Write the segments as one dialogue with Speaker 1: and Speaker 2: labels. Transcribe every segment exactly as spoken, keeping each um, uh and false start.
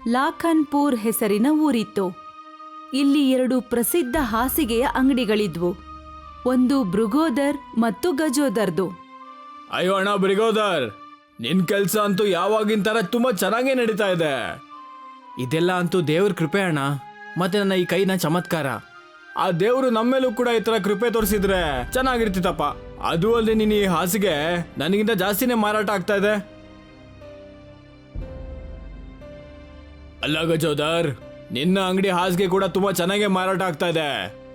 Speaker 1: ಲಾಖನ್ಪುರ್ ಹೆಸರಿನ ಊರಿತ್ತು. ಇಲ್ಲಿ ಎರಡು ಪ್ರಸಿದ್ಧ ಹಾಸಿಗೆಯ ಅಂಗಡಿಗಳಿದ್ವು. ಒಂದು ಭೃಗೋದರ್ ಮತ್ತು ಗಜೋದರ್ದು.
Speaker 2: ಅಯ್ಯೋ ಅಣ್ಣ ಬ್ರಿಗೋದರ್, ನಿನ್ ಕೆಲ್ಸ ಅಂತೂ ಯಾವಾಗಿನ ತರ ತುಂಬಾ ಚೆನ್ನಾಗೇ ನಡೀತಾ ಇದೆ. ಇದೆಲ್ಲ ಅಂತೂ ದೇವ್ರ ಕೃಪೆ ಅಣ್ಣ, ಮತ್ತೆ ನನ್ನ ಈ ಕೈನ ಚಮತ್ಕಾರ. ಆ ದೇವ್ರು ನಮ್ಮೇಲೂ ಕೂಡ ಈ ತರ ಕೃಪೆ ತೋರಿಸಿದ್ರೆ ಚೆನ್ನಾಗಿರ್ತಿತ್ತಪ್ಪ. ಅದು ಅಲ್ಲದೆ ನೀನ್ ಈ ಹಾಸಿಗೆ ನನಗಿಂತ ಜಾಸ್ತಿನೇ ಮಾರಾಟ ಆಗ್ತಾ ಇದೆ. ಅಲ್ಲ ಗಜೋದರ್, ನಿನ್ನ ಅಂಗಡಿ ಹಾಸಿಗೆ ಕೂಡ ತುಂಬಾ ಚೆನ್ನಾಗೇ ಮಾರಾಟ ಆಗ್ತಾ ಇದೆ.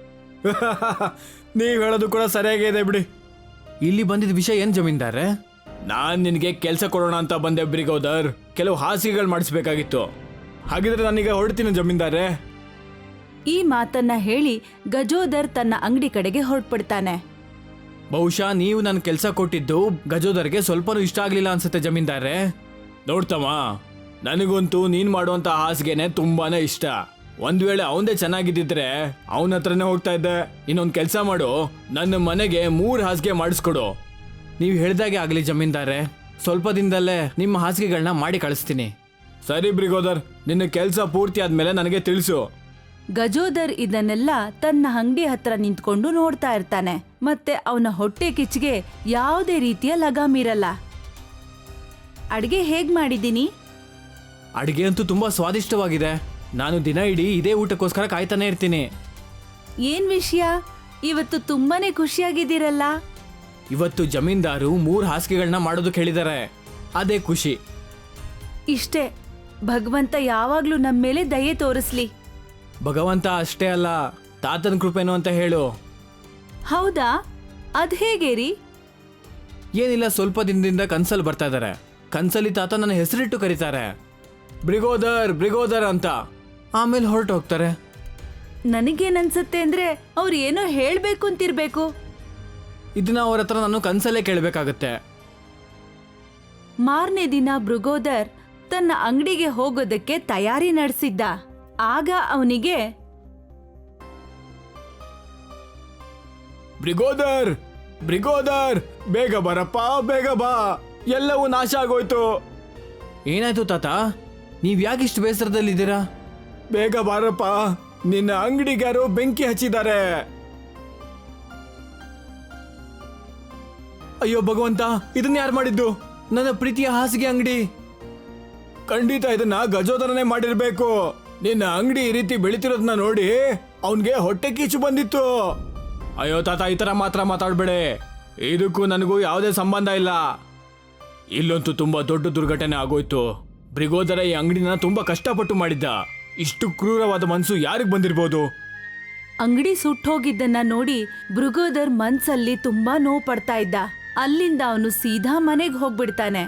Speaker 2: ನೀವ್ ಹೇಳೋದು ಕೂಡ ಸರಿಯಾಗೇ ಇದೆ ಬಿಡಿ. ಇಲ್ಲಿ ಬಂದಿದ್ದ ವಿಷಯ ಏನ್ ಜಮೀನ್ದಾರೆ? ನಾನ್ ನಿನ್ಗೆ ಕೆಲಸ ಕೊಡೋಣ ಅಂತ ಬಂದೆ ಬ್ರಿಗೋದರ್. ಕೆಲವು ಹಾಸಿಗೆಗಳು ಮಾಡಿಸ್ಬೇಕಾಗಿತ್ತು. ಹಾಗಿದ್ರೆ ನಾನೀಗ ಹೊರಡ್ತೀನಿ ಜಮೀನ್ದಾರೆ.
Speaker 1: ಈ ಮಾತನ್ನ ಹೇಳಿ ಗಜೋದರ್ ತನ್ನ ಅಂಗಡಿ ಕಡೆಗೆ ಹೊರಟ್ಬಿಡ್ತಾನೆ.
Speaker 2: ಬಹುಶಃ ನೀವು ನನ್ನ ಕೆಲಸ ಕೊಟ್ಟಿದ್ದು ಗಜೋದರ್ಗೆ ಸ್ವಲ್ಪನೂ ಇಷ್ಟ ಆಗ್ಲಿಲ್ಲ ಅನ್ಸುತ್ತೆ ಜಮೀನ್ದಾರೆ. ನೋಡ್ತಮ್ಮ, ನನಗಂತೂ ನೀನ್ ಮಾಡುವಂತ ಹಾಸಿಗೆನೆ ತುಂಬಾನೇ ಇಷ್ಟ. ಒಂದ್ ವೇಳೆ ಅವನದೇ ಚೆನ್ನಾಗಿದ್ದಿದ್ರೆ ಅವನ ಹತ್ರನೇ ಹೋಗ್ತಾ ಇದ್ದೆ. ಇನ್ನೊಂದ್ ಕೆಲಸ ಮಾಡು, ನನ್ನ ಮನೆಗೆ ಮೂರ್ ಹಾಸಿಗೆ ಮಾಡಿಸ್ಕೊಡು. ನೀವು ಹೇಳ್ದಾಗೆ ಆಗ್ಲಿ ಜಮೀನ್ದಾರೆ. ಸ್ವಲ್ಪ ದಿನದಲ್ಲೇ ನಿಮ್ಮ ಹಾಸಿಗೆಗಳನ್ನ ಮಾಡಿ ಕಳಿಸ್ತೀನಿ. ಸರಿ ಬ್ರಿಗೋದರ್, ನಿನ್ನ ಕೆಲಸ ಪೂರ್ತಿ ಆದ್ಮೇಲೆ ನನಗೆ ತಿಳಿಸು.
Speaker 1: ಗಜೋದರ್ ಇದನ್ನೆಲ್ಲ ತನ್ನ ಅಂಗಡಿ ಹತ್ರ ನಿಂತ್ಕೊಂಡು ನೋಡ್ತಾ ಇರ್ತಾನೆ. ಮತ್ತೆ ಅವನ ಹೊಟ್ಟೆ ಕಿಚ್ಚಿಗೆ ಯಾವುದೇ ರೀತಿಯ ಲಗಾಮಿರಲ್ಲ. ಅಡ್ಗೆ ಹೇಗ್ ಮಾಡಿದ್ದೀನಿ?
Speaker 2: ಅಡಿಗೆ ಅಂತೂ ತುಂಬಾ ಸ್ವಾದಿಷ್ಟವಾಗಿದೆ. ನಾನು ದಿನ ಇಡೀ ಇದೇ ಊಟಕ್ಕೋಸ್ಕರ ಕಾಯ್ತಾನೆ ಇರ್ತೀನಿ.
Speaker 1: ಏನ್ ವಿಷಯ, ಇವತ್ತು ತುಂಬಾನೇ ಖುಷಿಯಾಗಿದ್ದೀರಲ್ಲ?
Speaker 2: ಇವತ್ತು ಜಮೀನ್ದಾರು ಮೂರ್ ಹಾಸಿಗೆಗಳನ್ನ ಮಾಡೋದಕ್ಕೆ ಹೇಳಿದ್ದಾರೆ, ಅದೇ ಖುಷಿ.
Speaker 1: ಇಷ್ಟೇ, ಭಗವಂತ ಯಾವಾಗ್ಲೂ ನಮ್ಮ ಮೇಲೆ ದಯೆ ತೋರಿಸ್ಲಿ.
Speaker 2: ಭಗವಂತ ಅಷ್ಟೇ ಅಲ್ಲ, ತಾತನ ಕೃಪೆನು ಅಂತ ಹೇಳು.
Speaker 1: ಹೌದಾ, ಅದ್ ಹೇಗೆ ರೀ?
Speaker 2: ಏನಿಲ್ಲ, ಸ್ವಲ್ಪ ದಿನದಿಂದ ಕನ್ಸಲ್ಲಿ ಬರ್ತಾ ಇದ್ದಾರೆ. ಕನ್ಸಲ್ಲಿ ತಾತ ನನ್ನ ಹೆಸರಿಟ್ಟು ಕರೀತಾರೆ, ಬ್ರಿಗೋದರ್ ಬ್ರಿಗೋದರ್ ಅಂತ. ಆಮೇಲೆ ಹೊರಟು ಹೋಗ್ತಾರೆ.
Speaker 1: ನನಗೇನನ್ಸತ್ತೆ ಅಂದ್ರೆ ಅವ್ರು ಏನೋ ಹೇಳ್ಬೇಕು ಅಂತಿರ್ಬೇಕು.
Speaker 2: ಇದನ್ನ ಅವ್ರ ಹತ್ರ ನಾನು ಕನ್ಸಲ್ಲೇ ಕೇಳಬೇಕಾಗತ್ತೆ.
Speaker 1: ಮಾರನೇ ದಿನ ಭೃಗೋದರ್ ತನ್ನ ಅಂಗಡಿಗೆ ಹೋಗೋದಕ್ಕೆ ತಯಾರಿ ನಡೆಸಿದ್ದ. ಆಗ ಅವನಿಗೆ
Speaker 2: ಬ್ರಿಗೋದರ್ ಬ್ರಿಗೋದರ್ ಬೇಗ ಬರಪ್ಪ, ಬೇಗ ಬಾ, ಎಲ್ಲವೂ ನಾಶ ಆಗೋಯ್ತು. ಏನಾಯ್ತು ತಾತ, ನೀವ್ ಯಾಕಿಷ್ಟು ಬೇಸರದಲ್ಲಿದ್ದೀರಾ? ಬೇಗ ಬಾರಪ್ಪ, ನಿನ್ನ ಅಂಗಡಿಗಾರು ಬೆಂಕಿ ಹಚ್ಚಿದ್ದಾರೆ. ಅಯ್ಯೋ ಭಗವಂತ, ಇದನ್ನ ಯಾರು ಮಾಡಿದ್ದು? ನನ್ನ ಪ್ರೀತಿಯ ಹಾಸಿಗೆ ಅಂಗಡಿ. ಖಂಡಿತ ಇದನ್ನ ಗಜೋದರನೇ ಮಾಡಿರ್ಬೇಕು. ನಿನ್ನ ಅಂಗಡಿ ಈ ರೀತಿ ಬೆಳಿತಿರೋದನ್ನ ನೋಡಿ ಅವನ್ಗೆ ಹೊಟ್ಟೆ ಕಿಚ್ಚು ಬಂದಿತ್ತು. ಅಯ್ಯೋ ತಾತ, ಈ ತರ ಮಾತ್ರ ಮಾತಾಡ್ಬೇಡಿ. ಇದಕ್ಕೂ ನನಗೂ ಯಾವುದೇ ಸಂಬಂಧ ಇಲ್ಲ. ಇಲ್ಲಂತೂ ತುಂಬಾ ದೊಡ್ಡ ದುರ್ಘಟನೆ ಆಗೋಯ್ತು. ಬ್ರಿಗೋದರ ಈ ಅಂಗಡಿನ ತುಂಬಾ ಕಷ್ಟಪಟ್ಟು ಮಾಡಿದ್ದ. ಇಷ್ಟು ಕ್ರೂರವಾದ ಮನ್ಸು ಯಾರಿಗ್ ಬಂದಿರ್ಬೋದು?
Speaker 1: ಅಂಗಡಿ ಸುಟ್ಟೋಗಿದ್ದನ್ನ ನೋಡಿ ಭೃಗೋದರ್ ಮನ್ಸಲ್ಲಿ ತುಂಬಾ ನೋವು ಪಡ್ತಾ ಇದ್ದ. ಅಲ್ಲಿಂದ ಅವನು ಸೀದಾ ಮನೆಗೆ ಹೋಗ್ಬಿಡ್ತಾನೆ.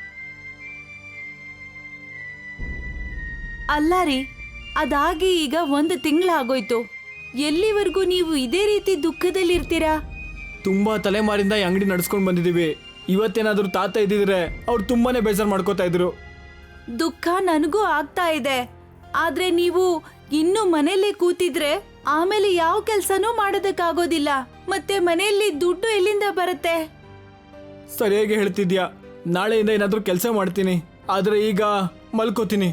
Speaker 1: ಅಲ್ಲ ರೀ, ಅದಾಗಿ ಈಗ ಒಂದು ತಿಂಗಳಾಗೋಯ್ತು. ಎಲ್ಲಿವರೆಗೂ ನೀವು ಇದೇ ರೀತಿ ದುಃಖದಲ್ಲಿರ್ತೀರಾ?
Speaker 2: ತುಂಬಾ ತಲೆಮಾರಿಂದ ಈ ಅಂಗಡಿ ನಡ್ಸ್ಕೊಂಡ್ ಬಂದಿದೀವಿ. ಇವತ್ತೇನಾದ್ರೂ ತಾತ ಇದ್ದಿದ್ರೆ ಅವ್ರು ತುಂಬಾನೇ ಬೇಜಾರ್ ಮಾಡ್ಕೋತಾ ಇದ್ರು.
Speaker 1: ದುಃಖ ನನಗೂ ಆಗ್ತಾ ಇದೆ. ಆದ್ರೆ ನೀವು ಇನ್ನು ಮನೆಯಲ್ಲೇ ಕೂತಿದ್ರೆ ಆಮೇಲೆ ಯಾವ ಕೆಲ್ಸನೂ ಮಾಡೋದಕ್ಕಾಗೋದಿಲ್ಲ. ಮತ್ತೆ ಮನೆಯಲ್ಲಿ ದುಡ್ಡು ಎಲ್ಲಿಂದ ಬರುತ್ತೆ?
Speaker 2: ಸರಿಯಾಗಿ ಹೇಳ್ತಿದ್ಯಾ. ನಾಳೆಯಿಂದ ಏನಾದ್ರೂ ಕೆಲಸ ಮಾಡ್ತೀನಿ, ಆದ್ರೆ ಈಗ ಮಲ್ಕೋತೀನಿ.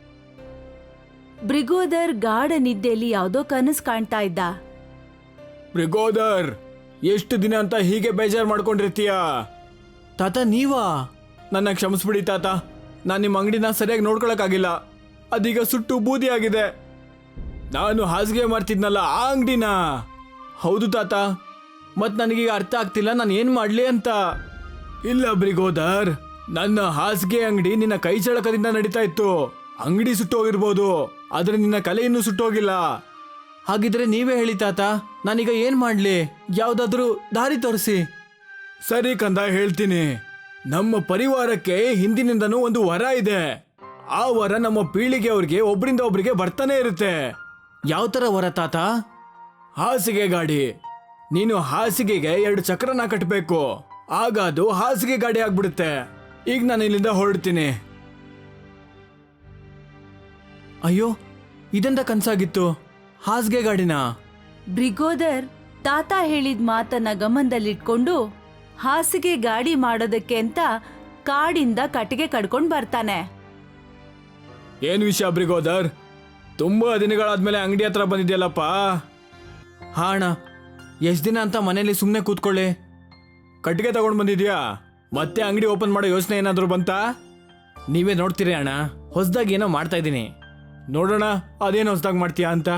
Speaker 1: ಬ್ರಿಗೋದರ್ ಗಾಢ ನಿದ್ದೆಯಲ್ಲಿ ಯಾವುದೋ ಕನಸು ಕಾಣ್ತಾ ಇದ್ದ.
Speaker 2: ಬ್ರಿಗೋದರ್, ಎಷ್ಟು ದಿನ ಅಂತ ಹೀಗೆ ಬೇಜಾರ್ ಮಾಡ್ಕೊಂಡಿರ್ತೀಯ? ತಾತ ನೀವಾ? ನನ್ನ ಕ್ಷಮಿಸ್ಬಿಡಿ ತಾತ. ನಾನು ನಿಮ್ಮ ಅಂಗಡಿನ ಸರಿಯಾಗಿ ನೋಡ್ಕೊಳಕ್ಕಾಗಿಲ್ಲ. ಅದೀಗ ಸುಟ್ಟು ಬೂದಿ ಆಗಿದೆ. ನಾನು ಹಾಸಿಗೆ ಮಾಡ್ತಿದ್ನಲ್ಲ ಆ ಅಂಗಡಿನ. ಹೌದು ತಾತ, ಮತ್ ನನಗೀಗ ಅರ್ಥ ಆಗ್ತಿಲ್ಲ ನಾನು ಏನ್ ಮಾಡ್ಲಿ ಅಂತ. ಇಲ್ಲ ಬ್ರಿಗೋದರ್, ನನ್ನ ಹಾಸಿಗೆ ಅಂಗಡಿ ನಿನ್ನ ಕೈ ಚಳಕದಿಂದ ನಡೀತಾ ಇತ್ತು. ಅಂಗಡಿ ಸುಟ್ಟೋಗಿರ್ಬೋದು, ಆದ್ರೆ ನಿನ್ನ ಕಲೆ ಇನ್ನೂ ಸುಟ್ಟೋಗಿಲ್ಲ. ಹಾಗಿದ್ರೆ ನೀವೇ ಹೇಳಿ ತಾತ, ನಾನೀಗ ಏನ್ ಮಾಡ್ಲಿ? ಯಾವ್ದಾದ್ರೂ ದಾರಿ ತೋರಿಸಿ. ಸರಿ ಕಂದ, ಹೇಳ್ತೀನಿ. ನಮ್ಮ ಪರಿವಾರಕ್ಕೆ ಹಿಂದಿನಿಂದನೂ ಒಂದು ವರ ಇದೆ. ಆ ವರ ನಮ್ಮ ಪೀಳಿಗೆ ಅವ್ರಿಗೆ ಒಬ್ರಿಂದ ಒಬ್ರಿಗೆ ಬರ್ತಾನೆ ಇರುತ್ತೆ. ಯಾವ ತರ ವರ ತಾತ? ಹಾಸಿಗೆ ಗಾಡಿ. ನೀನು ಹಾಸಿಗೆಗೆ ಎರಡು ಚಕ್ರನ ಕಟ್ಟಬೇಕು, ಆಗ ಅದು ಹಾಸಿಗೆ ಗಾಡಿ ಆಗ್ಬಿಡುತ್ತೆ. ಈಗ ನಾನು ಇಲ್ಲಿಂದ ಹೊರಡ್ತೀನಿ. ಅಯ್ಯೋ, ಇದೆಂತ ಕನ್ಸಾಗಿತ್ತು? ಹಾಸಿಗೆ ಗಾಡಿನ?
Speaker 1: ಬ್ರಿಗೋದರ್ ತಾತ ಹೇಳಿದ ಮಾತನ್ನ ಗಮನದಲ್ಲಿಟ್ಕೊಂಡು ಹಾಸಿಗೆ ಗಾಡಿ ಮಾಡೋದಕ್ಕೆ ಅಂತ ಕಾಡಿಂದ ಕಟ್ಟಿಗೆ ಕಡ್ಕೊಂಡು ಬರ್ತಾನೆ.
Speaker 2: ಏನು ವಿಷಯ ಬ್ರಿಗೋದರ್? ತುಂಬಾ ದಿನಗಳಾದ್ಮೇಲೆ ಅಂಗಡಿ ಹತ್ರ ಬಂದಿದ್ಯಲ್ಲಪ್ಪ. ಹಾ ಅಣ್ಣ, ಎಷ್ಟು ದಿನ ಅಂತ ಮನೇಲಿ ಸುಮ್ಮನೆ ಕೂತ್ಕೊಳ್ಳಿ. ಕಟ್ಟಿಗೆ ತಗೊಂಡು ಬಂದಿದ್ಯಾ? ಮತ್ತೆ ಅಂಗಡಿ ಓಪನ್ ಮಾಡೋ ಯೋಚನೆ ಏನಾದರೂ ಬಂತಾ? ನೀವೇ ನೋಡ್ತೀರಿ ಅಣ್ಣ, ಹೊಸದಾಗಿ ಏನೋ ಮಾಡ್ತಾ ಇದ್ದೀನಿ. ನೋಡೋಣ ಅದೇನು ಹೊಸದಾಗಿ ಮಾಡ್ತೀಯಾ ಅಂತ.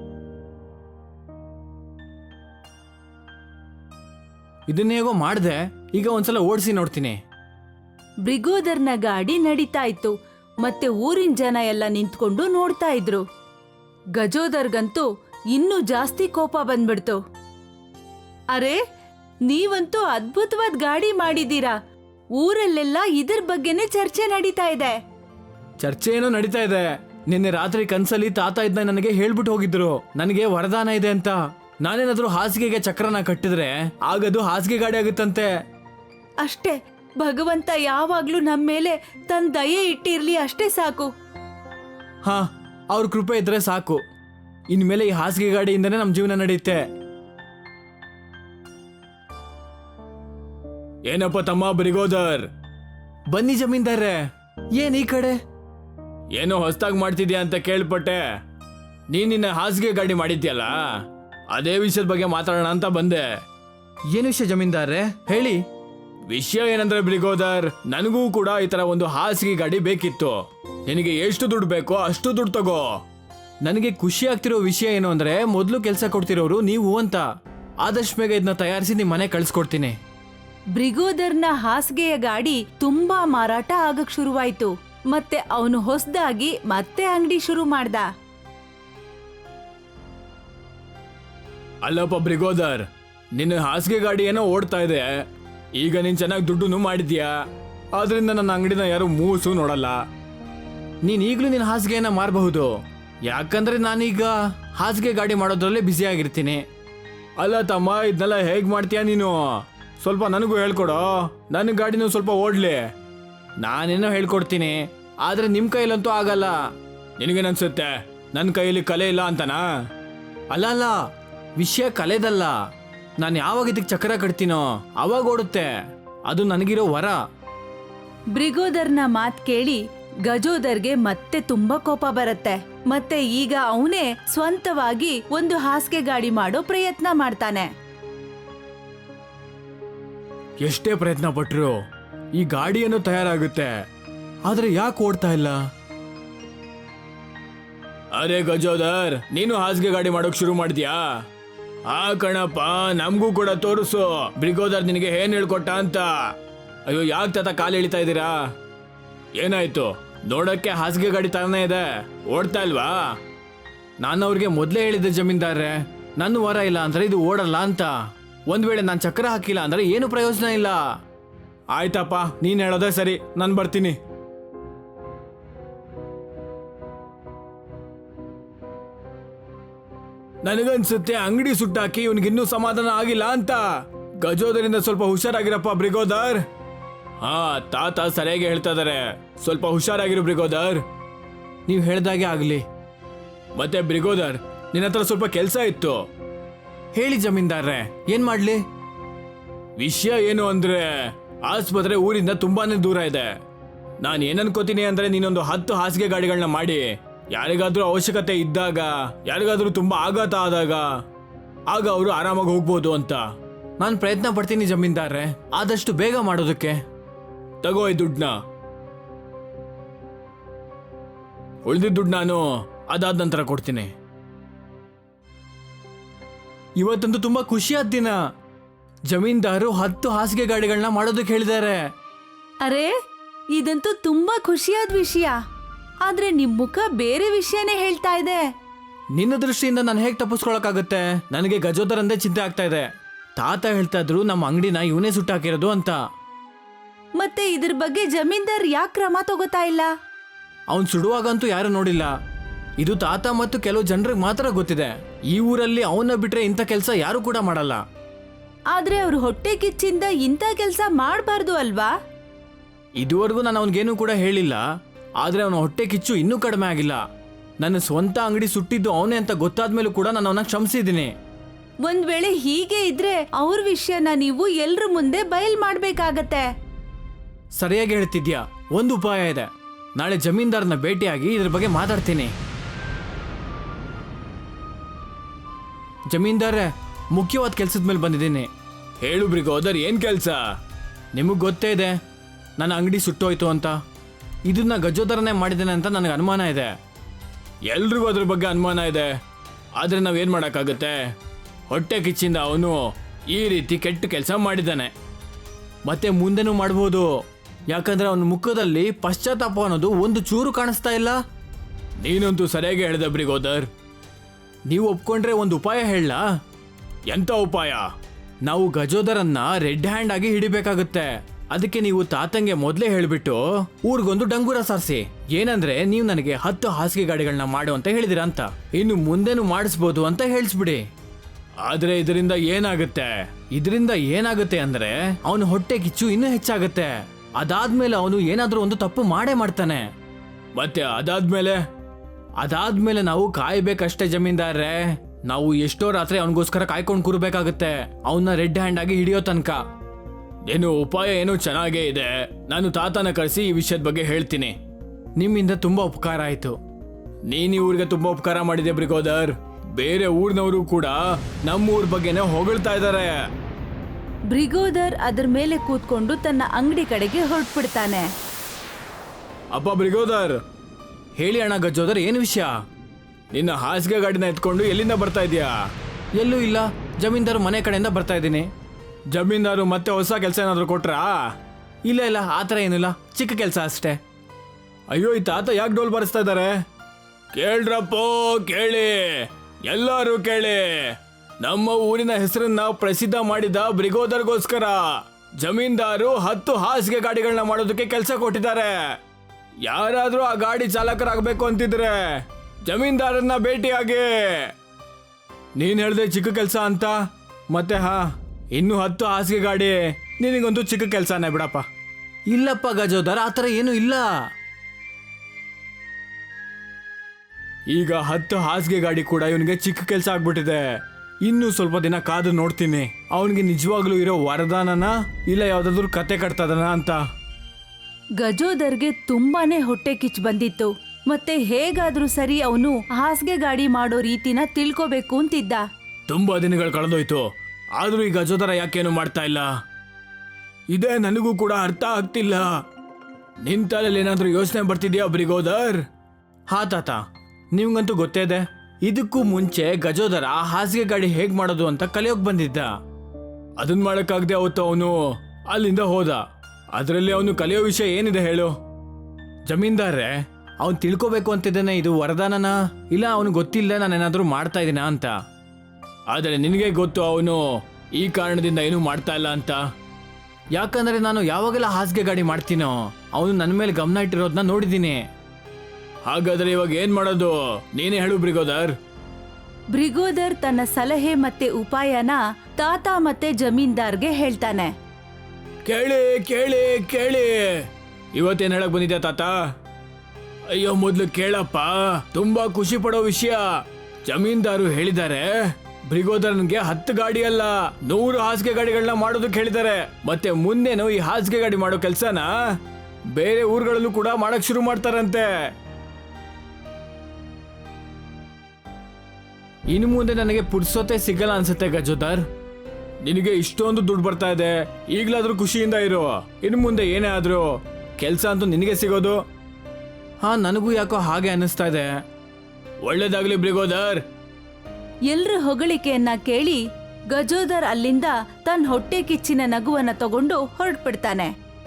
Speaker 2: ಇದನ್ನ ಹೇಗೋ ಮಾಡಿದೆ, ಈಗ ಒಂದ್ಸಲ ಓಡಿಸಿ ನೋಡ್ತೀನಿ.
Speaker 1: ಬ್ರಿಗೋದರ್ನ ಗಾಡಿ ನಡೀತಾ ಇತ್ತು ಮತ್ತೆ ಊರಿನ ಜನ ಎಲ್ಲ ನಿಂತ್ಕೊಂಡು ನೋಡ್ತಾ ಇದ್ರು. ಗಜೋದರ್ಗಂತೂ ಇನ್ನೂ ಜಾಸ್ತಿ ಕೋಪ ಬಂದ್ಬಿಡ್ತು. ಅರೆ, ನೀವಂತೂ ಅದ್ಭುತವಾದ ಗಾಡಿ ಮಾಡಿದೀರಾ. ಊರಲ್ಲೆಲ್ಲ ಇದ್ರ ಬಗ್ಗೆನೇ ಚರ್ಚೆ ನಡೀತಾ ಇದೆ.
Speaker 2: ಚರ್ಚೆ ಏನೋ ನಡೀತಾ ಇದೆ. ನಿನ್ನೆ ರಾತ್ರಿ ಕನ್ಸಲ್ಲಿ ತಾತ ಇದನ್ನ ನನಗೆ ಹೇಳ್ಬಿಟ್ಟು ಹೋಗಿದ್ರು, ನನಗೆ ವರದಾನ ಇದೆ ಅಂತ. ನಾನೇನಾದ್ರೂ ಹಾಸಿಗೆಗೆ ಚಕ್ರನ ಕಟ್ಟಿದ್ರೆ ಆಗದು ಹಾಸಿಗೆ ಗಾಡಿ ಆಗುತ್ತಂತೆ.
Speaker 1: ಅಷ್ಟೇ, ಭಗವಂತ ಯಾವಾಗ್ಲೂ ನಮ್ಮ ಮೇಲೆ ತನ್ನ ದಯೆ ಇಟ್ಟಿರ್ಲಿ, ಅಷ್ಟೇ ಸಾಕು.
Speaker 2: ಹಾ, ಅವ್ರ ಕೃಪೆ ಇದ್ರೆ ಸಾಕು. ಇನ್ಮೇಲೆ ಈ ಹಾಸಿಗೆ ಗಾಡಿಯಿಂದನೇ ನಮ್ಮ ಜೀವನ ನಡೆಯುತ್ತೆ. ಏನಪ್ಪ ತಮ್ಮ ಬ್ರಿಗೋದರ್? ಬನ್ನಿ ಜಮೀನ್ದಾರ್ರೆ. ಏನ್ ಈ ಕಡೆ? ಏನೋ ಹೊಸದಾಗಿ ಮಾಡ್ತಿದ್ಯಾ ಅಂತ ಕೇಳ್ಪಟ್ಟೆ. ನೀನ್ ನಿನ್ನ ಹಾಸಿಗೆ ಗಾಡಿ ಮಾಡಿದ್ಯಲ್ಲ, ಅದೇ ವಿಷಯದ ಬಗ್ಗೆ ಮಾತಾಡೋಣ ಅಂತ ಬಂದೆ. ಏನು ವಿಷಯ ಜಮೀನ್ದಾರ್ರೆ, ಹೇಳಿ. ವಿಷಯ ಏನಂದ್ರೆ ಬ್ರಿಗೋದರ್, ನನಗೂ ಕೂಡ ಈ ತರ ಒಂದು ಹಾಸಿಗೆ ಗಾಡಿ ಬೇಕಿತ್ತು. ನಿನಗೆ ಎಷ್ಟು ದುಡ್ಡು ಬೇಕೋ ಅಷ್ಟು ದುಡ್ಡು ತಗೋ. ನನಗೆ ಖುಷಿ ಆಗ್ತಿರೋ ವಿಷಯ ಏನು ಅಂದ್ರೆ, ಮೊದಲು ಕೆಲಸ ಕೊಡ್ತಿರೋರು ನೀವು ಅಂತ. ಆದಷ್ಟು ಬೇಗ ಇದನ್ನ ತಯಾರಿಸಿ ನಿಮ್ಮ ಮನೆ ಕಳ್ಸಿಕೊಡ್ತೀನಿ.
Speaker 1: ಬ್ರಿಗೋದರ್ನ ಹಾಸಿಗೆಯ ಗಾಡಿ ತುಂಬಾ ಮಾರಾಟ ಆಗಕ್ ಶುರುವಾಯ್ತು. ಮತ್ತೆ ಅವನು ಹೊಸದಾಗಿ ಮತ್ತೆ ಅಂಗಡಿ ಶುರು ಮಾಡ್ದ.
Speaker 2: ಅಲ್ಲಪ್ಪ ಬ್ರಿಗೋದರ್, ನಿನ್ನ ಹಾಸಿಗೆ ಗಾಡಿ ಏನೋ ಓಡ್ತಾ ಇದೆ. ಈಗ ನೀನ್ ಚೆನ್ನಾಗಿ ದುಡ್ಡು ಮಾಡಿದ್ಯಾ, ಆದ್ರಿಂದ ನನ್ನ ಅಂಗಡಿನ ಯಾರು ಮೂಸು ನೋಡಲ್ಲ. ನೀನ್ ಈಗಲೂ ನಿನ್ನ ಹಾಸಿಗೆಯನ್ನ ಮಾರಬಹುದು, ಯಾಕಂದ್ರೆ ನಾನೀಗ ಹಾಸಿಗೆ ಗಾಡಿ ಮಾಡೋದ್ರಲ್ಲೇ ಬ್ಯುಸಿ ಆಗಿರ್ತೀನಿ. ಅಲ್ಲ ತಮ್ಮ, ಇದನ್ನೆಲ್ಲ ಹೇಗ್ ಮಾಡ್ತೀಯಾ ನೀನು? ಸ್ವಲ್ಪ ನನಗೂ ಹೇಳ್ಕೊಡೋ, ನನ್ನ ಗಾಡಿನೂ ಸ್ವಲ್ಪ ಓಡ್ಲಿ. ನಾನೇನೋ ಹೇಳ್ಕೊಡ್ತೀನಿ, ಆದ್ರೆ ನಿಮ್ ಕೈಲಂತೂ ಆಗಲ್ಲ. ನಿನಗೇನನ್ಸುತ್ತೆ ನನ್ನ ಕೈಯಲ್ಲಿ ಕಲೆ ಇಲ್ಲ ಅಂತನಾ? ಅಲ್ಲ ಅಲ್ಲ, ವಿಷಯ ಕಲೆದಲ್ಲ. ನಾನು ಯಾವಾಗ ಇದಕ್ಕೆ ಚಕ್ರ ಕಟ್ತೀನೋ ಅವಾಗ ಓಡುತ್ತೆ. ಅದು ನನಗಿರೋ ವರ.
Speaker 1: ಬ್ರಿಗೋದರ್ನ ಮಾತ್ ಕೇಳಿ ಗಜೋದರ್ಗೆ ಮತ್ತೆ ತುಂಬಾ ಕೋಪ ಬರುತ್ತೆ. ಮತ್ತೆ ಈಗ ಅವನೇ ಸ್ವಂತವಾಗಿ ಒಂದು ಹಾಸಿಗೆ ಗಾಡಿ ಮಾಡೋ ಪ್ರಯತ್ನ ಮಾಡ್ತಾನೆ.
Speaker 2: ಎಷ್ಟೇ ಪ್ರಯತ್ನ ಪಟ್ರು ಈ ಗಾಡಿಯನ್ನು ತಯಾರಾಗುತ್ತೆ, ಆದ್ರೆ ಯಾಕೆ ಓಡ್ತಾ ಇಲ್ಲ? ಅರೆ ಗಜೋದರ್, ನೀನು ಹಾಸಿಗೆ ಗಾಡಿ ಮಾಡೋಕ್ ಶುರು ಮಾಡಿದ್ಯಾ? ಆ ಕಣಪ್ಪ, ನಮಗೂ ಕೂಡ ತೋರಿಸು ಬ್ರಿಗೋದರ್ ನಿನಗೆ ಏನ್ ಹೇಳ್ಕೊಟ್ಟ ಅಂತ. ಅಯ್ಯೋ, ಯಾಕೆ ತಾತ ಕಾಲು ಎಳಿತಾ ಇದ್ದೀರಾ? ಏನಾಯ್ತು? ನೋಡಕ್ಕೆ ಹಾಸಿಗೆ ಗಾಡಿ ತರನೇ ಇದೆ, ಓಡ್ತಾ ಇಲ್ವಾ? ನಾನು ಅವ್ರಿಗೆ ಮೊದಲೇ ಹೇಳಿದ್ದೆ ಜಮೀನ್ದಾರ್ರೆ, ನನ್ನ ವರ ಇಲ್ಲ ಅಂದ್ರೆ ಇದು ಓಡಲ್ಲ ಅಂತ. ಒಂದ್ ವೇಳೆ ನಾನು ಚಕ್ರ ಹಾಕಿಲ್ಲ ಅಂದ್ರೆ ಏನು ಪ್ರಯೋಜನ ಇಲ್ಲ. ಆಯ್ತಪ್ಪ, ನೀನ್ ಹೇಳೋದೇ ಸರಿ, ನಾನು ಬರ್ತೀನಿ. ನನಗನ್ಸುತ್ತೆ ಅಂಗಡಿ ಸುಟ್ಟಾಕಿ ಇವನಿಗಿನ್ನೂ ಸಮಾಧಾನ ಆಗಿಲ್ಲ ಅಂತ. ಗಜೋದರಿಂದ ಸ್ವಲ್ಪ ಹುಷಾರಾಗಿರಪ್ಪ ಬ್ರಿಗೋದರ್. ಹಾ, ತಾತ ಸರಿಯಾಗಿ ಹೇಳ್ತಾ ಇದಾರೆ, ಸ್ವಲ್ಪ ಹುಷಾರಾಗಿರು ಬ್ರಿಗೋದರ್. ನೀವು ಹೇಳ್ದಾಗೆ ಆಗ್ಲಿ. ಮತ್ತೆ ಬ್ರಿಗೋದರ್, ನಿನ್ನ ಹತ್ರ ಸ್ವಲ್ಪ ಕೆಲಸ ಇತ್ತು. ಹೇಳಿ ಜಮೀನ್ದಾರ್ರೆ, ಏನ್ ಮಾಡ್ಲಿ? ವಿಷಯ ಏನು ಅಂದ್ರೆ, ಆಸ್ಪತ್ರೆ ಊರಿಂದ ತುಂಬಾನೇ ದೂರ ಇದೆ. ನಾನು ಏನನ್ಕೋತೀನಿ ಅಂದ್ರೆ, ನೀನೊಂದು ಹತ್ತು ಹಾಸಿಗೆ ಗಾಡಿಗಳನ್ನ ಮಾಡಿ ಯಾರಿಗಾದ್ರೂ ಅವಶ್ಯಕತೆ ಇದ್ದಾಗ, ಯಾರಿಗಾದ್ರೂ ತುಂಬಾ ಆಘಾತ ಆದಾಗ ಆಗ ಅವರು ಆರಾಮಾಗಿ ಹೋಗ್ಬೋದು ಅಂತ. ನಾನು ಪ್ರಯತ್ನ ಪಡ್ತೀನಿ ಜಮೀನ್ದಾರ್ರೆ, ಆದಷ್ಟು ಬೇಗ ಮಾಡೋದಕ್ಕೆ. ತಗೋ ಈ ದುಡ್ಡನ್ನ. ಉಳಿದಿದ್ದ ದುಡ್ಡು ನಾನು ಅದಾದ ನಂತರ ಕೊಡ್ತೀನಿ. ಇವತ್ತಂತೂ ತುಂಬಾ ಖುಷಿಯಾದ ದಿನ. ಜಮೀನ್ದಾರು ಹತ್ತು ಹಾಸಿಗೆ ಗಾಡಿಗಳನ್ನ ಮಾಡೋದಕ್ಕೆ ಹೇಳಿದ್ದಾರೆ.
Speaker 1: ಅರೆ, ಇದಂತೂ ತುಂಬಾ ಖುಷಿಯಾದ ವಿಷಯ. ಆದ್ರೆ ನಿಮ್ ಮುಖ ಬೇರೆ ವಿಷಯನೇ ಹೇಳ್ತಾ ಇದೆ.
Speaker 2: ನಿನ್ನ ದೃಷ್ಟಿಯಿಂದ ನಾನು ಹೇಗೆ ತಪ್ಪಿಸ್ಕೊಳಕ್ಕಾಗತ್ತೆ? ನನಗೆ ಗಜೋದರಂದೇ ಚಿಂತೆ ಆಗ್ತಾ ಇದೆ. ತಾತ ಹೇಳ್ತಾ ಇದ್ರು ನಮ್ಮ ಅಂಗಡಿನ ಇವನೇ ಸುಟ್ಟಾಕಿರೋದು ಅಂತ.
Speaker 1: ಮತ್ತೆ ಇದ್ರ ಬಗ್ಗೆ ಜಮೀನ್ದಾರ್ ಯಾಕೆ ಕ್ರಮ ತಗೋತಾ ಇಲ್ಲ?
Speaker 2: ಅವನ್ ಸುಡುವಾಗಂತೂ ಯಾರು ನೋಡಿಲ್ಲ. ಇದು ತಾತ ಮತ್ತು ಕೆಲವು ಜನರಿಗೆ ಮಾತ್ರ ಗೊತ್ತಿದೆ. ಈ ಊರಲ್ಲಿ ಅವನ್ನ ಬಿಟ್ರೆ ಇಂಥ ಕೆಲಸ ಯಾರು ಕೂಡ ಮಾಡಲ್ಲ.
Speaker 1: ಆದ್ರೆ ಅವ್ರ ಹೊಟ್ಟೆ ಕಿಚ್ಚಿಂದ ಇಂಥ ಕೆಲಸ ಮಾಡಬಾರ್ದು ಅಲ್ವಾ?
Speaker 2: ಇದುವರೆಗೂ ನಾನು ಅವನಿಗೇನು ಕೂಡ ಹೇಳಿಲ್ಲ. ಆದ್ರೆ ಅವನ ಹೊಟ್ಟೆ ಕಿಚ್ಚು ಇನ್ನೂ ಕಡಿಮೆ ಆಗಿಲ್ಲ. ನನ್ನ ಸ್ವಂತ ಅಂಗಡಿ ಸುಟ್ಟಿದ್ದು ಅವನೇ ಅಂತ ಗೊತ್ತಾದ್ಮೇಲೂ ಕೂಡ ನಾನು ಅವನ ಕ್ಷಮಿಸಿದ್ದೀನಿ.
Speaker 1: ಒಂದ್ ವೇಳೆ ಹೀಗೆ ಇದ್ರೆ ಅವ್ರ ವಿಷಯನ ನೀವು ಎಲ್ರ ಮುಂದೆ ಬಯಲ್ ಮಾಡ್ಬೇಕಾಗತ್ತೆ.
Speaker 2: ಸರಿಯಾಗಿ ಹೇಳ್ತಿದ್ಯಾ. ಒಂದು ಉಪಾಯ ಇದೆ. ನಾಳೆ ಜಮೀನ್ದಾರನ ಭೇಟಿಯಾಗಿ ಇದ್ರ ಬಗ್ಗೆ ಮಾತಾಡ್ತೀನಿ. ಜಮೀನ್ದಾರೆ, ಮುಖ್ಯವಾದ ಕೆಲ್ಸದ ಮೇಲೆ ಬಂದಿದ್ದೀನಿ. ಹೇಳು ಬ್ರಿಗೋದರ್, ಏನ್ ಕೆಲಸ? ನಿಮಗೆ ಗೊತ್ತೇ ಇದೆ ನನ್ನ ಅಂಗಡಿ ಸುಟ್ಟೋಯ್ತು ಅಂತ. ಇದನ್ನ ಗಜೋದರನೇ ಮಾಡಿದ್ದೇನೆ ಅಂತ ನನಗೆ ಅನುಮಾನ ಇದೆ. ಎಲ್ರಿಗೂ ಅದ್ರ ಬಗ್ಗೆ ಅನುಮಾನ ಇದೆ, ಆದರೆ ನಾವೇನು ಮಾಡೋಕ್ಕಾಗುತ್ತೆ? ಹೊಟ್ಟೆ ಕಿಚ್ಚಿಂದ ಅವನು ಈ ರೀತಿ ಕೆಟ್ಟ ಕೆಲಸ ಮಾಡಿದ್ದಾನೆ. ಮತ್ತೆ ಮುಂದೆನೂ ಮಾಡ್ಬೋದು, ಯಾಕಂದ್ರೆ ಅವನ ಮುಖದಲ್ಲಿ ಪಶ್ಚಾತ್ತಾಪ ಅನ್ನೋದು ಒಂದು ಚೂರು ಕಾಣಿಸ್ತಾ ಇಲ್ಲ. ನೀನಂತೂ ಸರಿಯಾಗಿ ಹೇಳಿದೆ ಬ್ರಿಗೋದರ್. ನೀವು ಒಪ್ಕೊಂಡ್ರೆ ಒಂದು ಉಪಾಯ ಹೇಳಲಾ? ಎಂಥ ಉಪಾಯ? ನಾವು ಗಜೋದರನ್ನ ರೆಡ್ ಹ್ಯಾಂಡ್ ಆಗಿ ಹಿಡಿಬೇಕಾಗುತ್ತೆ. ಅದಕ್ಕೆ ನೀವು ತಾತಂಗೆ ಮೊದಲೇ ಹೇಳಿಬಿಟ್ಟು ಊರಿಗೊಂದು ಡಂಗೂರ ಸಾರಿಸಿ. ಏನಂದ್ರೆ ನೀವು ನನಗೆ ಹತ್ತು ಹಾಸಿಗೆ ಗಾಡಿಗಳನ್ನ ಮಾಡು ಅಂತ ಹೇಳಿದಿರ ಅಂತ, ಇನ್ನು ಮುಂದೆನೂ ಮಾಡಿಸ್ಬೋದು ಅಂತ ಹೇಳಿಸ್ಬಿಡಿ. ಆದ್ರೆ ಇದರಿಂದ ಏನಾಗುತ್ತೆ? ಇದರಿಂದ ಏನಾಗುತ್ತೆ ಅಂದ್ರೆ ಅವನು ಹೊಟ್ಟೆ ಕಿಚ್ಚು ಇನ್ನೂ ಹೆಚ್ಚಾಗುತ್ತೆ. ಅದಾದ್ಮೇಲೆ ಅವನು ಏನಾದ್ರೂ ಒಂದು ತಪ್ಪು ಮಾಡೇ ಮಾಡ್ತಾನೆ. ಮತ್ತೆ ಅದಾದ್ಮೇಲೆ ಅದಾದ್ಮೇಲೆ ನಾವು ಕಾಯ್ಬೇಕಷ್ಟೇ ಜಮೀನ್ದಾರ್ರೆ. ನಾವು ಎಷ್ಟೋ ರಾತ್ರಿ ಅವನಿಗೋಸ್ಕರ ಕಾಯ್ಕೊಂಡು ಕೂರ್ಬೇಕಾಗುತ್ತೆ, ಅವನ್ನ ರೆಡ್ ಹ್ಯಾಂಡ್ ಆಗಿ ಹಿಡಿಯೋ ತನಕ. ಏನು ಉಪಾಯ ಏನೋ ಚೆನ್ನಾಗೇ ಇದೆ. ನಾನು ತಾತನ ಕರೆಸಿ ಈ ವಿಷಯದ ಬಗ್ಗೆ ಹೇಳ್ತೀನಿ. ನಿಮ್ಮಿಂದ ತುಂಬಾ ಉಪಕಾರ ಆಯ್ತು. ನೀನ್ ಈ ಊರಿಗೆ ತುಂಬಾ ಉಪಕಾರ ಮಾಡಿದೆ ಬ್ರಿಗೋದರ್. ಬೇರೆ ಊರಿನವರು ಕೂಡ ನಮ್ಮ ಊರ್ ಬಗ್ಗೆನೇ ಹೊಗಳ್ತಾ ಇದ್ದಾರೆ.
Speaker 1: ಬ್ರಿಗೋದರ್ ಅದ್ರ ಮೇಲೆ ಕೂತ್ಕೊಂಡು ತನ್ನ ಅಂಗಡಿ ಕಡೆಗೆ ಹೊರಟ್ಬಿಡ್ತಾನೆ.
Speaker 2: ಅಪ್ಪ ಬ್ರಿಗೋದರ್, ಹೇಳಿ ಅಣ್ಣ. ಗಜೋದರ್, ಏನು ವಿಷಯ? ನಿನ್ನ ಹಾಸಿಗೆ ಗಾಡಿನ ಎತ್ಕೊಂಡು ಎಲ್ಲಿಂದ ಬರ್ತಾ ಇದೀಯಾ? ಎಲ್ಲೂ ಇಲ್ಲ, ಜಮೀನ್ದಾರು ಮನೆ ಕಡೆಯಿಂದ ಬರ್ತಾ ಇದ್ದೀನಿ. ಜಮೀನ್ದಾರು ಮತ್ತೆ ಹೊಸ ಕೆಲಸ ಏನಾದ್ರು ಕೊಟ್ರಾ? ಇಲ್ಲ ಇಲ್ಲ, ಆ ಥರ ಏನಿಲ್ಲ, ಚಿಕ್ಕ ಕೆಲಸ ಅಷ್ಟೇ. ಅಯ್ಯೋ, ಈ ತಾತ ಯಾಕೆ ಡೋಲ್ ಬಾರಿಸ್ತಾ ಇದ್ದಾರೆ? ಕೇಳ್ರಪ್ಪೋ, ಕೇಳಿ, ಎಲ್ಲರೂ ಕೇಳಿ. ನಮ್ಮ ಊರಿನ ಹೆಸರನ್ನ ಪ್ರಸಿದ್ಧ ಮಾಡಿದ ಬ್ರಿಗೋದರ್ಗೋಸ್ಕರ ಜಮೀನ್ದಾರು ಹತ್ತು ಹಾಸಿಗೆ ಗಾಡಿಗಳನ್ನ ಮಾಡೋದಕ್ಕೆ ಕೆಲಸ ಕೊಟ್ಟಿದ್ದಾರೆ. ಯಾರಾದ್ರೂ ಆ ಗಾಡಿ ಚಾಲಕರಾಗಬೇಕು ಅಂತಿದ್ರೆ ಜಮೀನ್ದಾರನ್ನ ಭೇಟಿಯಾಗಿ. ನೀನ್ ಹೇಳ್ದೆ ಚಿಕ್ಕ ಕೆಲಸ ಅಂತ, ಮತ್ತೆ ಹಾ ಇನ್ನು ಹತ್ತು ಹಾಸಿಗೆ ಗಾಡಿ ನಿನಗಂತೂ ಚಿಕ್ಕ ಕೆಲಸನೇ ಬಿಡಪ್ಪ. ಇಲ್ಲಪ್ಪ ಗಜೋದರ್, ಆ ಥರ ಏನೂ ಇಲ್ಲ. ಈಗ ಹತ್ತು ಹಾಸಿಗೆ ಗಾಡಿ ಕೂಡ ಇವನಿಗೆ ಚಿಕ್ಕ ಕೆಲಸ ಆಗ್ಬಿಟ್ಟಿದೆ. ಇನ್ನು ಸ್ವಲ್ಪ ದಿನ ಕಾದು ನೋಡ್ತೀನಿ ಅವನಿಗೆ ನಿಜವಾಗ್ಲೂ ಇರೋ ವರದಾನನ ಇಲ್ಲ ಯಾವ್ದಾದ್ರು ಕತೆ ಕಟ್ತದನ ಅಂತ.
Speaker 1: ಗಜೋದರ್ಗೆ ತುಂಬಾನೇ ಹೊಟ್ಟೆ ಕಿಚ್ಚು ಬಂದಿತ್ತು. ಮತ್ತೆ ಹೇಗಾದ್ರೂ ಸರಿ ಅವನು ಹಾಸಿಗೆ ಗಾಡಿ ಮಾಡೋ ರೀತಿನ ತಿಳ್ಕೋಬೇಕು ಅಂತಿದ್ದ.
Speaker 2: ತುಂಬಾ ದಿನಗಳು ಕಳೆದೋಯ್ತು, ಆದ್ರೂ ಈ ಗಜೋದರ ಯಾಕೇನು ಮಾಡ್ತಾ ಇಲ್ಲ? ಇದೇ ನನಗೂ ಕೂಡ ಅರ್ಥ ಆಗ್ತಿಲ್ಲ. ನಿನ್ ತಲೆಯಲ್ಲಿ ಏನಾದ್ರೂ ಯೋಚನೆ ಬರ್ತಿದ್ಯಾ ಬ್ರಿಗೋದರ್? ಹಾ ತಾತ, ನಿಮ್ಗಂತೂ ಗೊತ್ತೇ ಇದೆ. ಇದಕ್ಕೂ ಮುಂಚೆ ಗಜೋದರ ಹಾಸಿಗೆ ಗಾಡಿ ಹೇಗ್ ಮಾಡೋದು ಅಂತ ಕಲಿಯೋಕ್ ಬಂದಿದ್ದ. ಅದನ್ ಮಾಡಕ್ಕಾಗದೆ ಅವತ್ತು ಅವನು ಅಲ್ಲಿಂದ ಹೋದ. ಅದರಲ್ಲಿ ಅವನು ಕಲಿಯೋ ವಿಷಯ ಏನಿದೆ ಹೇಳು? ಜಮೀನ್ದಾರ್ರೆ, ಅವನು ತಿಳ್ಕೋಬೇಕು ಅಂತಿದ್ದಾನೆ ಇದು ವರದಾನನ, ಇಲ್ಲ ಅವನು ಗೊತ್ತಿಲ್ಲ ನಾನೇನಾದ್ರೂ ಮಾಡ್ತಾ ಇದ್ದೀನ ಅಂತ. ಆದರೆ ನಿನಗೆ ಗೊತ್ತು ಅವನು ಈ ಕಾರಣದಿಂದ ಏನೂ ಮಾಡ್ತಾ ಇಲ್ಲ ಅಂತ. ಯಾಕಂದ್ರೆ ನಾನು ಯಾವಾಗೆಲ್ಲ ಹಾಸಿಗೆ ಗಾಡಿ ಮಾಡ್ತೀನೋ ಅವನು ನನ್ನ ಮೇಲೆ ಗಮನ ಇಟ್ಟಿರೋದನ್ನ ನೋಡಿದ್ದೀನಿ. ಹಾಗಾದ್ರೆ ಇವಾಗ ಏನ್ ಮಾಡೋದು? ನೀನೇ ಹೇಳು ಬ್ರಿಗೋದರ್.
Speaker 1: ಬ್ರಿಗೋದರ್ ತನ್ನ ಸಲಹೆ ಮತ್ತೆ ಉಪಾಯನ ತಾತ ಮತ್ತೆ ಜಮೀನ್ದಾರ್ಗೆ ಹೇಳ್ತಾನೆ.
Speaker 2: ಕೇಳಿ ಕೇಳಿ ಕೇಳಿ, ಇವತ್ತೇನ್ ಹೇಳಕ್ ಬಂದಿದ್ಯಾ ತಾತ? ಅಯ್ಯೋ, ಮೊದ್ಲು ಕೇಳಪ್ಪ, ತುಂಬಾ ಖುಷಿ ಪಡೋ ವಿಷಯ. ಜಮೀನ್ದಾರು ಹೇಳಿದ್ದಾರೆ ಬ್ರಿಗೋದರ್ನ್ಗೆ ಹತ್ತು ಗಾಡಿ ಅಲ್ಲ ನೂರು ಹಾಸಿಗೆ ಗಾಡಿಗಳನ್ನ ಮಾಡೋದಕ್ಕೆ ಹೇಳಿದ್ದಾರೆ. ಮತ್ತೆ ಮುಂದೇನು ಈ ಹಾಸಿಗೆ ಗಾಡಿ ಮಾಡೋ ಕೆಲ್ಸನ ಬೇರೆ ಊರುಗಳಲ್ಲೂ ಕೂಡ ಮಾಡಕ್ ಶುರು ಮಾಡ್ತಾರಂತೆ. ಇನ್ನು ಮುಂದೆ ನನಗೆ ಪುಡ್ಸೋತೆ ಸಿಗಲ್ಲ ಅನ್ಸುತ್ತೆ ಗಜೋದರ್. ನಿನಗೆ ಇಷ್ಟೊಂದು ದುಡ್ಡು ಬರ್ತಾ ಇದೆ, ಈಗ್ಲಾದ್ರೂ ಖುಷಿಯಿಂದ ಇರು. ಇನ್ನು ಮುಂದೆ ಏನೇ ಆದ್ರೂ ಕೆಲಸ ಅಂತೂ ನಿನಗೆ ಸಿಗೋದು. ಹಾ, ನನಗೂ ಯಾಕೋ ಹಾಗೆ ಅನ್ನಿಸ್ತಾ ಇದೆ. ಒಳ್ಳೇದಾಗ್ಲಿ ಬ್ರಿಗೋದರ್.
Speaker 1: ಎಲ್ರ ಹೊಗಳಿಕೆಯನ್ನ ಕೇಳಿ ಗಜೋದರ್ ಅಲ್ಲಿಂದ ತನ್ನ ಹೊಟ್ಟೆ ಕಿಚ್ಚಿನ ನಗುವನ್ನ ತಗೊಂಡು ಹೊರಟ್ಬಿಡ್ತಾನೆ.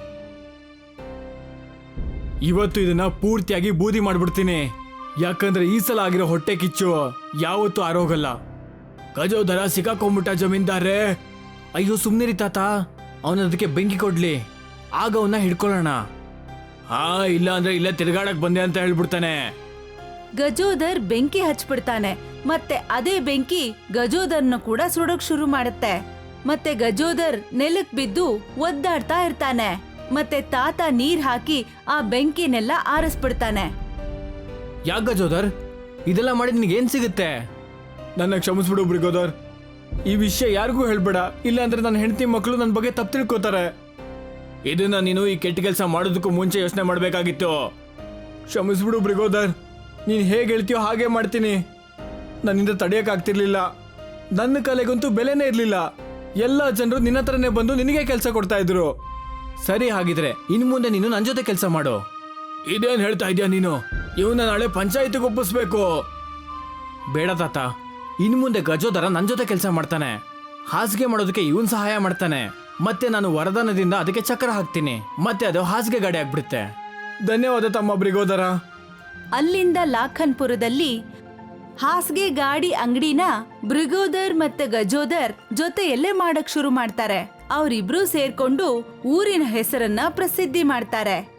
Speaker 2: ಇವತ್ತು ಇದನ್ನ ಪೂರ್ತಿಯಾಗಿ ಬೂದಿ ಮಾಡ್ಬಿಡ್ತೀನಿ, ಯಾಕಂದ್ರೆ ಈ ಸಲ ಆಗಿರೋ ಹೊಟ್ಟೆ ಕಿಚ್ಚು ಯಾವತ್ತೂ ಆರೋಗಲ್ಲ. ಗಜೋದರ ಸಿಕ್ಕಾಕೊಂಡ್ಬಿಟ್ಟ ಜಮೀನ್ದಾರ್ರೆ. ಅಯ್ಯೋ ಸುಮ್ನಿರಿ ತಾತ, ಅವನ ಅದಕ್ಕೆ ಬೆಂಕಿ ಕೊಡ್ಲಿ, ಆಗ ಅವನ್ನ ಹಿಡ್ಕೊಳ್ಳೋಣ. ಹಾ, ಇಲ್ಲ ಅಂದ್ರೆ ಇಲ್ಲೇ ತಿರ್ಗಾಡಕ್ ಬಂದೆ ಅಂತ ಹೇಳ್ಬಿಡ್ತಾನೆ.
Speaker 1: ಗಜೋದರ್ ಬೆಂಕಿ ಹಚ್ಬಿಡ್ತಾನೆ. ಮತ್ತೆ ಅದೇ ಬೆಂಕಿ ಗಜೋದರ್ನ ಕೂಡ ಸುಡೋಕ್ ಶುರು ಮಾಡುತ್ತೆ. ಮತ್ತೆ ಗಜೋದರ್ ನೆಲಕ್ ಬಿದ್ದು ಒದ್ದಾಡ್ತಾ ಇರ್ತಾನೆ. ಮತ್ತೆ ತಾತ ನೀರ್ ಹಾಕಿ ಆ ಬೆಂಕಿನೆಲ್ಲ ಆರಿಸ್ಬಿಡ್ತಾನೆ.
Speaker 2: ಯಾಕೆ ಗಜೋದರ್ ಇದೆಲ್ಲ ಮಾಡಿ ನಿನಗೆ ಏನ್ ಸಿಗುತ್ತೆ? ನನ್ನ ಕ್ಷಮಿಸ್ಬಿಡು ಬ್ರಿಗೋದರ್, ಈ ವಿಷಯ ಯಾರಿಗೂ ಹೇಳ್ಬೇಡ, ಇಲ್ಲ ಅಂದ್ರೆ ನನ್ನ ಹೆಂಡತಿ ಮಕ್ಕಳು ನನ್ನ ಬಗ್ಗೆ ತಪ್ಪು ತಿಳ್ಕೊತಾರೆ. ಇದನ್ನ ನೀನು ಈ ಕೆಟ್ಟ ಕೆಲಸ ಮಾಡೋದಕ್ಕೂ ಮುಂಚೆ ಯೋಚನೆ ಮಾಡ್ಬೇಕಾಗಿತ್ತು. ಕ್ಷಮಿಸ್ಬಿಡು ಬ್ರಿಗೋದರ್, ನೀನು ಹೇಗೆ ಹೇಳ್ತೀಯೋ ಹಾಗೆ ಮಾಡ್ತೀನಿ. ನನ್ನಿಂದ ತಡೆಯೋಕ್ಕಾಗ್ತಿರ್ಲಿಲ್ಲ. ನನ್ನ ಕಲೆಗಂತೂ ಬೆಲೆನೇ ಇರಲಿಲ್ಲ. ಎಲ್ಲ ಜನರು ನಿನ್ನ ಹತ್ರನೇ ಬಂದು ನಿನಗೆ ಕೆಲಸ ಕೊಡ್ತಾ ಇದ್ರು. ಸರಿ, ಹಾಗಿದ್ರೆ ಇನ್ನು ಮುಂದೆ ನೀನು ನನ್ನ ಜೊತೆ ಕೆಲಸ ಮಾಡು. ಇದೇನು ಹೇಳ್ತಾ ಇದೀಯ ನೀನು? ಇವನ್ನ ನಾಳೆ ಪಂಚಾಯತಿಗೆ ಒಪ್ಪಿಸ್ಬೇಕು. ಬೇಡ ತಾತ, ಇನ್ನು ಮುಂದೆ ಗಜೋದರ ನನ್ನ ಜೊತೆ ಕೆಲಸ ಮಾಡ್ತಾನೆ. ಹಾಸಿಗೆ ಮಾಡೋದಕ್ಕೆ ಇವನ್ ಸಹಾಯ ಮಾಡ್ತಾನೆ. ಮತ್ತೆ ನಾನು ವರದಾನದಿಂದ ಅದಕ್ಕೆ ಚಕ್ರ ಹಾಕ್ತೀನಿ. ಮತ್ತೆ ಅದು ಹಾಸಿಗೆ ಗಾಡಿ ಆಗ್ಬಿಡುತ್ತೆ. ಧನ್ಯವಾದ ತಮ್ಮ ಬ್ರಿಗೋದರ.
Speaker 1: ಅಲ್ಲಿಂದ ಲಾಖನ್ಪುರದಲ್ಲಿ ಹಾಸಿಗೆ ಗಾಡಿ ಅಂಗಡಿನ ಬ್ರಿಗೋದರ್ ಮತ್ತೆ ಗಜೋದರ್ ಜೊತೆಯಲ್ಲೇ ಮಾಡಕ್ ಶುರು ಮಾಡ್ತಾರೆ. ಅವರಿಬ್ರು ಸೇರ್ಕೊಂಡು ಊರಿನ ಹೆಸರನ್ನ ಪ್ರಸಿದ್ಧಿ ಮಾಡ್ತಾರೆ.